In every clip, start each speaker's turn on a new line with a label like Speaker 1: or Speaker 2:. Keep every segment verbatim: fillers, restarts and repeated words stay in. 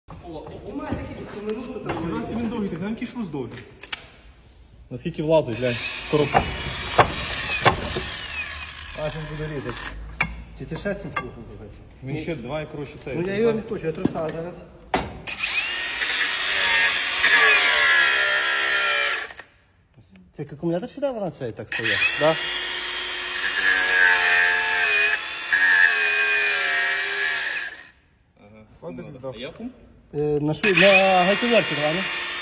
Speaker 1: У нас він довгий, нам який шрус довгий. Наскільки влазить, глянь, коробка. Аж він буде різати.
Speaker 2: Чи ти шестим шурфом дивиться?
Speaker 1: Він ще давай, коротше, це.
Speaker 2: Ну я його не точу, я трусав зараз. Це як акумулятор сюди вона цей так стоїть?
Speaker 1: Да? Ага. Я пум?
Speaker 2: Е, на шу... на гайковерті, давай, ну.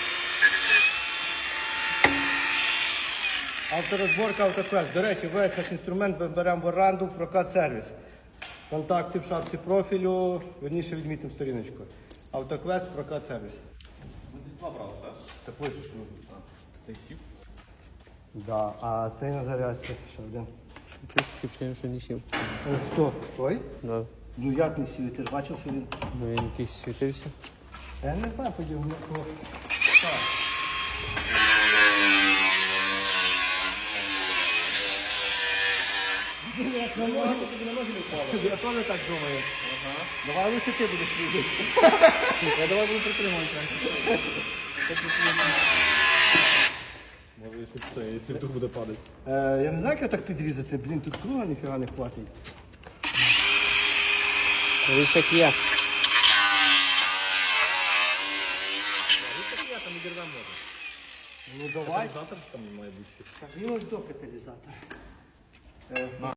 Speaker 2: Авторозборка автоквест. До речі, весь наш інструмент ми беремо в оренду в прокат сервіс. Контакти в шапці профілю, верніше відмітимо сторіночку. Автоквест, прокат сервіс.
Speaker 1: Ви десь два брали, так?
Speaker 2: Так пишеш.
Speaker 1: Це сів?
Speaker 2: Да, а ти на зарядці ще один.
Speaker 3: Чуть що не сів.
Speaker 2: Е, Хто? Той?
Speaker 3: Да.
Speaker 2: Ну як не сів? Ти ж бачив, що він...
Speaker 3: Ну він якийсь світився.
Speaker 2: Я не знаю, подів. Я теж так думаю. Ага. Давай лучше ти будеш їздити.
Speaker 1: Я давай буду притримувати. Може, якщо це, якщо вдруг буде падати.
Speaker 2: Е, я не знаю, як його так підрізати. Блін, тут круга ніфіга не хватить.
Speaker 3: Ось як є.
Speaker 2: Ну давай.
Speaker 1: Завтра там має бути ще.
Speaker 2: Так, він ось до каталізатор. Е,